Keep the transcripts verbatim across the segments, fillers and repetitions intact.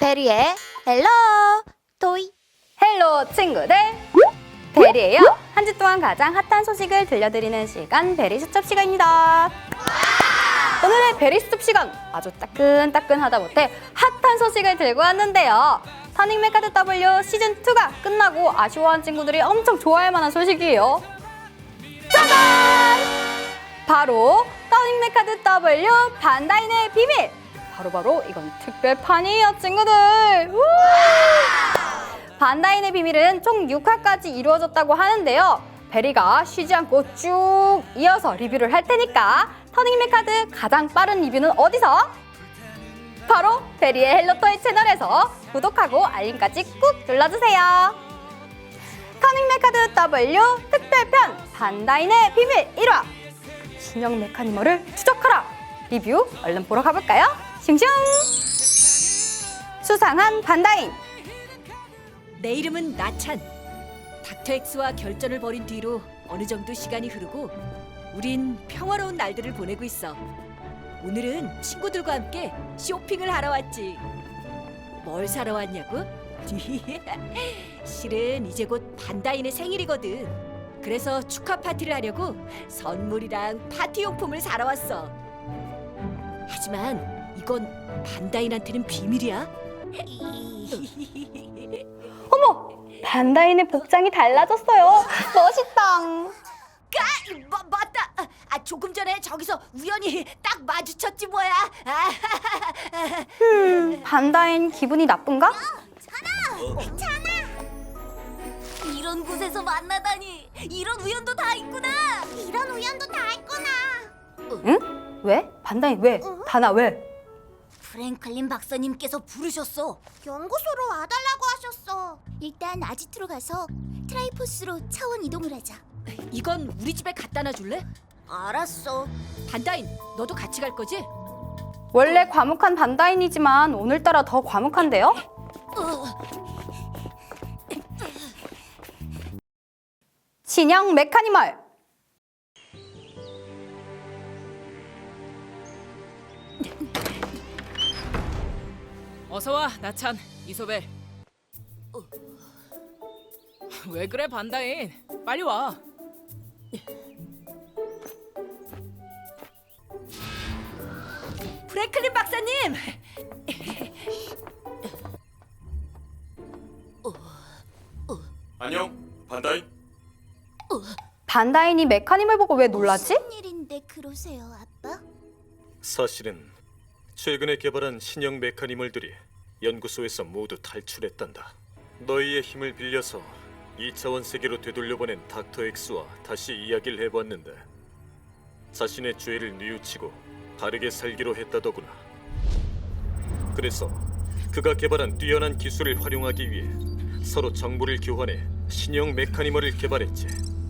베리의 헬로 토이. 헬로 친구들, 베리예요. 한 주 동안 가장 핫한 소식을 들려드리는 시간, 베리 수첩 시간입니다. 오늘의 베리 수첩 시간, 아주 따끈따끈하다 못해 핫한 소식을 들고 왔는데요. 터닝 메카드 더블유 시즌이가 끝나고 아쉬워한 친구들이 엄청 좋아할 만한 소식이에요. 짜잔! 바로 터닝 메카드 더블유 반다인의 비밀! 바로바로 이건 특별판이에요, 친구들! 우와! 반다인의 비밀은 총 육 화까지 이루어졌다고 하는데요. 베리가 쉬지 않고 쭉 이어서 리뷰를 할 테니까 터닝 메카드 가장 빠른 리뷰는 어디서? 바로 베리의 헬로토이 채널에서 구독하고 알림까지 꾹 눌러주세요. 터닝 메카드 더블유 특별편 반다인의 비밀 일 화 신형 메카니멀을 추적하라! 리뷰 얼른 보러 가볼까요? 슝슝! 수상한 반다인. 내 이름은 나찬. 닥터엑스와 결전을 벌인 뒤로 어느 정도 시간이 흐르고 우린 평화로운 날들을 보내고 있어. 오늘은 친구들과 함께 쇼핑을 하러 왔지. 뭘 사러 왔냐고? 실은 이제 곧 반다인의 생일이거든. 그래서 축하 파티를 하려고 선물이랑 파티 용품을 사러 왔어. 하지만 이건 반다인한테는 비밀이야. 어머! 반다인의 복장이 달라졌어요. 멋있다. 아, 마, 맞다. 아, 아, 조금 전에 저기서 우연히 딱 마주쳤지 뭐야. 아, 음, 반다인 기분이 나쁜가? 이런 곳에서 만나다니. 이런 우연도 다 있구나. 이런 우연도 다 있구나. 응? 왜? 반다인 왜? 다나 왜? 프랭클린 박사님께서 부르셨어. 연구소로 와달라고 하셨어. 일단 아지트로 가서 트라이포스로 차원 이동을 하자. 이건 우리 집에 갖다 놔줄래? 알았어. 반다인, 너도 같이 갈 거지? 원래 과묵한 반다인이지만 오늘따라 더 과묵한데요? 신형 메카니멀! 어서와 나찬, 이소벨. 왜 그래 반다인? 빨리 와. 프랭클린 박사님. 안녕, 반다이. 반다인이 메카니멀 보고 왜 놀라지? 무슨 일인데 그러세요, 아빠? 사실은 최근에 개발한 신형 메카니멀들이 연구소에서 모두 탈출했단다. 너희의 힘을 빌려서 이 차원 세계로 되돌려보낸 닥터 엑스와 다시 이야기를 해봤는데 자신의 죄를 뉘우치고 바르게 살기로 했다더구나. 그래서 그가 개발한 뛰어난 기술을 활용하기 위해 서로 정보를 교환해 신형 메카니멀을 개발했지.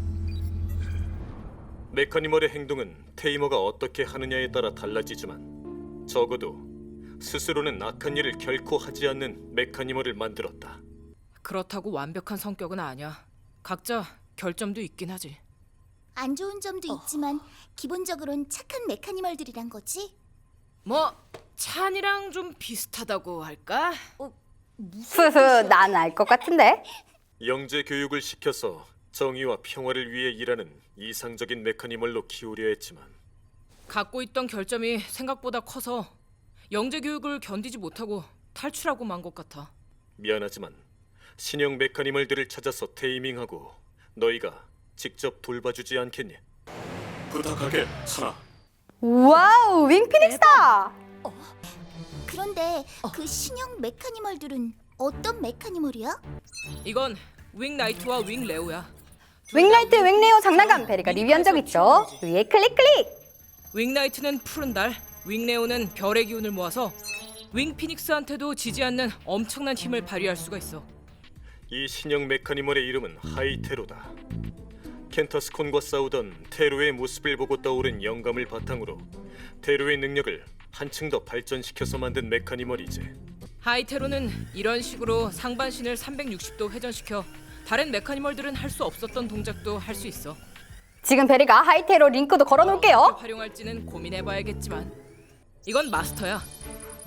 메카니멀의 행동은 테이머가 어떻게 하느냐에 따라 달라지지만 적어도 스스로는 악한 일을 결코 하지 않는 메카니멀을 만들었다. 그렇다고 완벽한 성격은 아니야. 각자 결점도 있긴 하지. 안 좋은 점도 있지만 기본적으론 착한 메카니멀들이란 거지? 뭐 찬이랑 좀 비슷하다고 할까? 흐흐, 난 알 것 같은데. 영재 교육을 시켜서 정의와 평화를 위해 일하는 이상적인 메카니멀로 키우려 했지만 갖고 있던 결점이 생각보다 커서 영재 교육을 견디지 못하고 탈출하고 만 것 같아. 미안하지만 신형 메카니멀들을 찾아서 테이밍하고 너희가 직접 돌봐주지 않겠니? 부탁할게, 찬아. 와우, 윙피닉스다! 그런데 그 신형 메카니멀들은 어떤 메카니멀이야? 이건 윙나이트와 윙레오야. 윙라이트, 윙레오 장난감 베리가 리뷰한 적 있죠? 위에 클릭 클릭! 윙나이트는 푸른 달, 윙레오는 별의 기운을 모아서 윙피닉스한테도 지지 않는 엄청난 힘을 발휘할 수가 있어. 이 신형 메카니멀의 이름은 하이테로다. 켄타스콘과 싸우던 테로의 모습을 보고 떠오른 영감을 바탕으로 테로의 능력을 한층 더 발전시켜서 만든 메카니멀이지. 하이테로는 이런 식으로 상반신을 삼백육십 도 회전시켜 다른 메카니멀들은 할 수 없었던 동작도 할 수 있어. 지금 베리가 하이테로 링크도 걸어놓을게요. 어떻게 활용할지는 고민해봐야겠지만 이건 마스터야.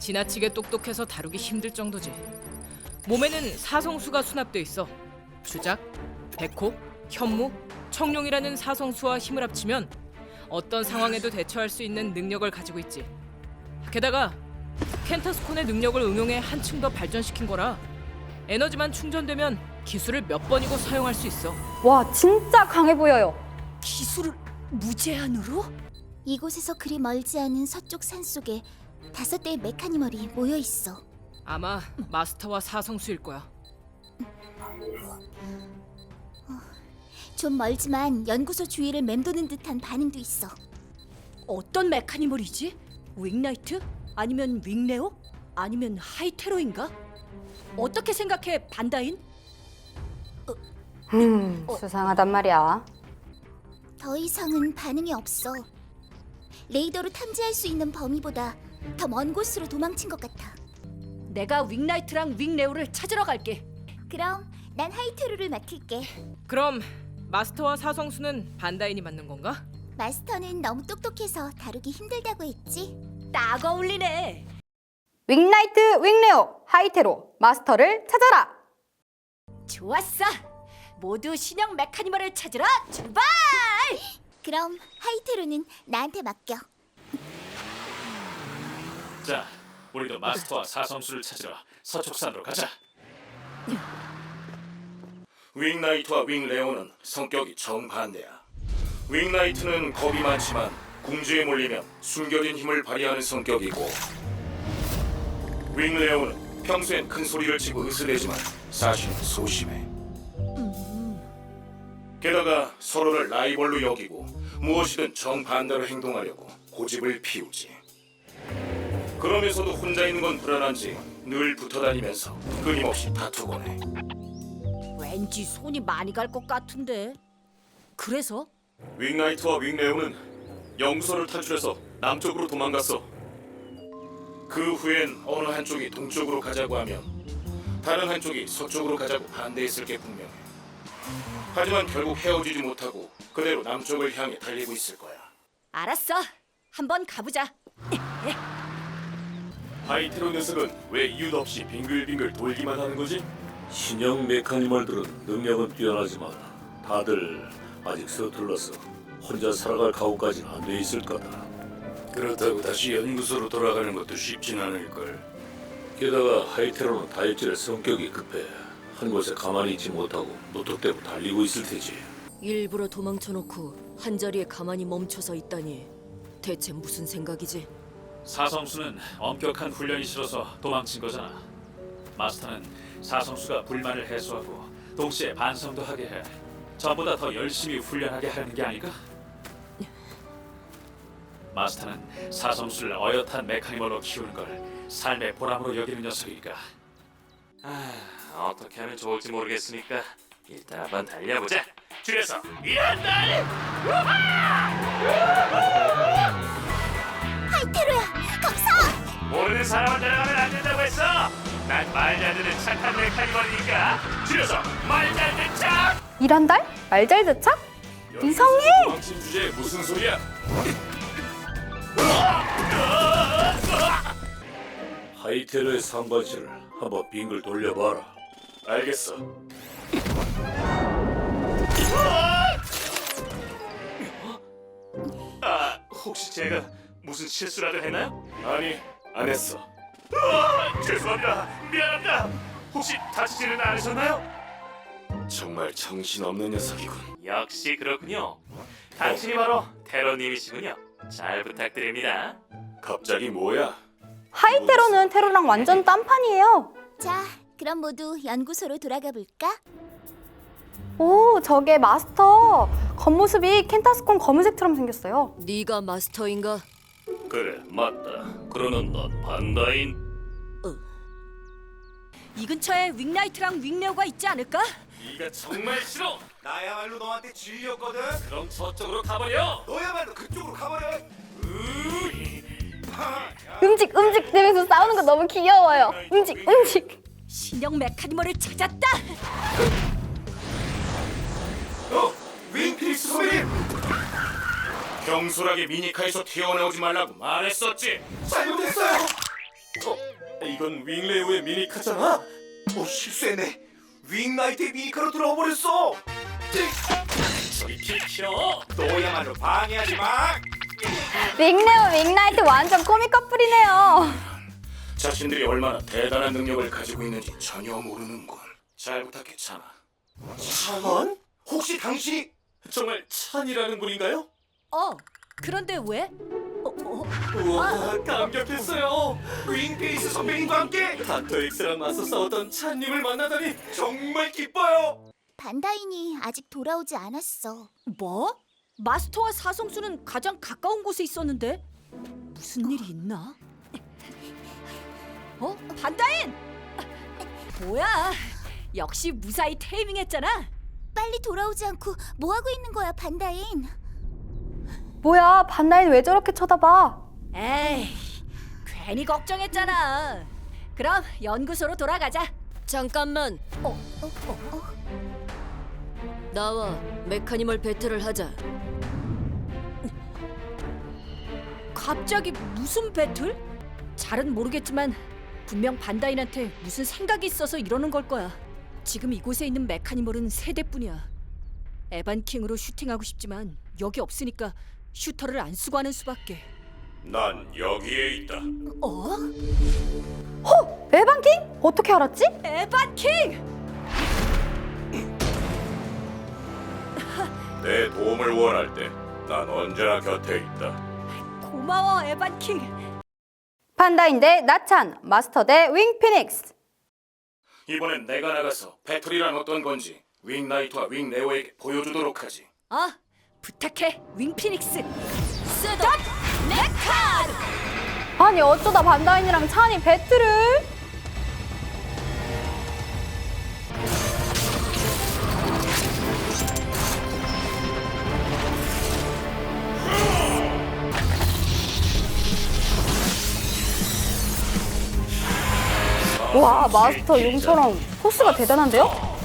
지나치게 똑똑해서 다루기 힘들 정도지. 몸에는 사성수가 수납돼 있어. 주작, 백호, 현무, 청룡이라는 사성수와 힘을 합치면 어떤 상황에도 대처할 수 있는 능력을 가지고 있지. 게다가 켄타스콘의 능력을 응용해 한층 더 발전시킨 거라 에너지만 충전되면 기술을 몇 번이고 사용할 수 있어. 와, 진짜 강해 보여요. 기술을 무제한으로? 이곳에서 그리 멀지 않은 서쪽 산 속에 다섯 대의 메카니멀이 모여 있어. 아마 마스터와 사성수일 거야. 좀 멀지만 연구소 주위를 맴도는 듯한 반응도 있어. 어떤 메카니멀이지? 윙나이트? 아니면 윙레오? 아니면 하이테로인가? 어떻게 생각해, 반다인? 음, 수상하단 말이야. 더 이상은 반응이 없어. 레이더로 탐지할 수 있는 범위보다 더 먼 곳으로 도망친 것 같아. 내가 윙나이트랑 윙레오를 찾으러 갈게. 그럼 난 하이테루를 맡을게. 그럼 마스터와 사성수는 반다인이 맞는 건가? 마스터는 너무 똑똑해서 다루기 힘들다고 했지. 딱 어울리네. 윙나이트, 윙레오, 하이테로, 마스터를 찾아라. 좋았어. 모두 신형 메카니멀을 찾으러 출발! 그럼 하이테루는 나한테 맡겨. 자, 우리도 마스터와 사성수를 찾으러 서쪽산으로 가자. 윙나이트와 윙레오는 성격이 정반대야. 윙나이트는 겁이 많지만 궁지에 몰리면 숨겨진 힘을 발휘하는 성격이고, 윙레오는 평소엔 큰 소리를 치고 으스대지만 사실은 소심해. 게다가 서로를 라이벌로 여기고 무엇이든 정반대로 행동하려고 고집을 피우지. 그러면서도 혼자 있는 건 불안한지 늘 붙어다니면서 끊임없이 다투곤 해. 왠지 손이 많이 갈 것 같은데. 그래서? 윙나이트와 윙레오는 연구소를 탈출해서 남쪽으로 도망갔어. 그 후엔 어느 한쪽이 동쪽으로 가자고 하면 다른 한쪽이 서쪽으로 가자고 반대했을 게 분명해. 하지만 결국 헤어지지 못하고 그대로 남쪽을 향해 달리고 있을 거야. 알았어. 한번 가보자. 하이테로 녀석은 왜 이유도 없이 빙글빙글 돌기만 하는 거지? 신형 메카니멀들은 능력은 뛰어나지만 다들 아직 서툴러서 혼자 살아갈 각오까지는 안 돼 있을 거다. 그렇다고 다시 연구소로 돌아가는 것도 쉽진 않을걸. 게다가 하이테로는 다혈질의 성격이 급해 한 곳에 가만히 있지 못하고 노톱대고 달리고 있을 테지. 일부러 도망쳐놓고 한 자리에 가만히 멈춰서 있다니. 대체 무슨 생각이지? 사성수는 엄격한 훈련이 싫어서 도망친 거잖아. 마스터는 사성수가 불만을 해소하고 동시에 반성도 하게 해 전보다 더 열심히 훈련하게 하는 게 아닐까? 마스터는 사성수를 어엿한 메카니멀로 키우는 걸 삶의 보람으로 여기는 녀석이니까. 아, 어떻게 하면 좋을지 모르겠으니까 일단 한번 달려보자. 줄여서 이런 날! 하이테루야, 감사! 모르는 사람을 데려가면 안 된다고 했어. 난 말 잘 듣는 착한 메카니멀이니까 줄여서 말 잘 듣는 척! 이런 달? 말잘드착? 이상해! 도망친 주제에 무슨 소리야? 하이테로의 상반신을 한번 빙글 돌려봐라. 알겠어. 아, 혹시 제가 무슨 실수라도 했나요? 아니, 안 했어. 아, 죄송합니다. 미안합니다. 혹시 다치지는 않으셨나요? 정말 정신없는 녀석이군. 역시 그렇군요. 당신이 바로 테러님이시군요. 잘 부탁드립니다. 갑자기 뭐야? 하이테로는 테로랑 완전 딴판이에요. 자, 그럼 모두 연구소로 돌아가 볼까? 오, 저게 마스터. 겉모습이 켄타스콘 검은색처럼 생겼어요. 네가 마스터인가? 그래, 맞다. 그러는 넌 반다인. 이 근처에 윙나이트랑 윙레오가 있지 않을까? 네가 정말 싫어. 나야말로 너한테 질렸거든. 그럼 저쪽으로 가버려. 너야말로 그쪽으로 가버려. 음직 음직 되면서 싸우는 거 너무 귀여워요. 음직 음직. 신형 메카니멀을 찾았다! 어, 윙피닉스 소리. 경솔하게 미니카에서 튀어나오지 말라고 말했었지. 잘못했어요. 어, 이건 윙레오의 미니카잖아. 어, 실수했네. 윙나이트의 미니카로 들어와 버렸어. 저리 비켜. 너야말로 방해하지 마. 윙레오 윙나이트 완전 코믹 커플이네요. 자신들이 얼마나 대단한 능력을 가지고 있는지 전혀 모르는군. 잘 부탁해, 찬아. 찬원? 혹시 당신이 정말 찬이라는 분인가요? 어, 그런데 왜? 어, 어? 우와, 감격했어요. 윙페이스 선배님과 함께 닥터 엑스랑 맞서 싸웠던 찬님을 만나다니. 정말 기뻐요. 반다인이 아직 돌아오지 않았어. 뭐? 마스터와 사성수는 가장 가까운 곳에 있었는데 무슨 일이 있나? 어? 반다인! 뭐야? 역시 무사히 테이밍했잖아. 빨리 돌아오지 않고 뭐 하고 있는 거야, 반다인? 뭐야, 반다인 왜 저렇게 쳐다봐? 에이, 괜히 걱정했잖아. 그럼 연구소로 돌아가자. 잠깐만. 어, 어, 어, 어? 나와 메카니멀 배틀을 하자. 갑자기 무슨 배틀? 잘은 모르겠지만 분명 반다인한테 무슨 생각이 있어서 이러는 걸 거야. 지금 이곳에 있는 메카니멀은 세 대뿐이야. 에반킹으로 슈팅하고 싶지만 여기 없으니까 슈터를 안 쓰고 하는 수밖에. 난 여기에 있다. 어? 에반킹? 어떻게 알았지? 에반킹! 내 도움을 원할 때 난 언제나 곁에 있다. 고마워, 에반킹. 반다인 대 나찬, 마스터 대 윙피닉스. 이번엔 내가 나가서 배틀이란 어떤 건지 윙나이트와 윙레오에게 보여주도록 하지. 아, 부탁해, 윙피닉스. 스톱! 메칸! 아니 어쩌다 반다인이랑 찬이 배틀을? 와, 마스터 용처럼 포스가 대단한데요?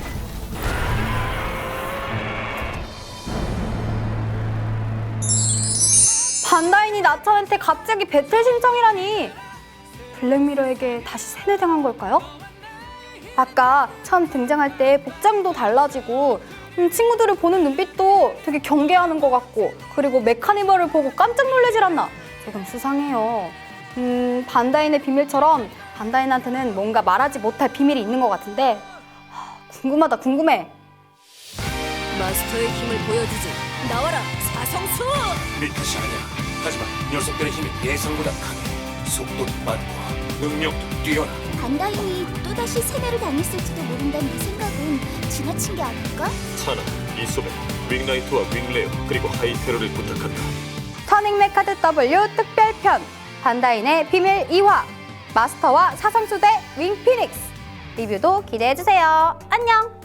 반다인이 나찬한테 갑자기 배틀 신청이라니. 블랙미러에게 다시 세뇌당한 걸까요? 아까 처음 등장할 때 복장도 달라지고 음, 친구들을 보는 눈빛도 되게 경계하는 것 같고, 그리고 메카니멀을 보고 깜짝 놀라질 않나? 조금 수상해요. 음, 반다인의 비밀처럼 반다인한테는 뭔가 말하지 못할 비밀이 있는 것 같은데 하, 궁금하다 궁금해. 마스터의 힘을 보여주지. 나와라, 사성수! 네 탓이 아니야. 하지만 녀석들의 힘이 예상보다 강해. 속도도 빠르고 능력도 뛰어나. 반다인이 또다시 세뇌를 당했을지도 모른다는 이 생각은 지나친 게 아닐까? 찬아, 이소벨, 윙나이트와 윙레오 그리고 하이테러를 부탁한다. 터닝 메카드 더블유 특별편 반다인의 비밀 이 화 마스터와 사성수 대 윙피닉스 리뷰도 기대해주세요. 안녕!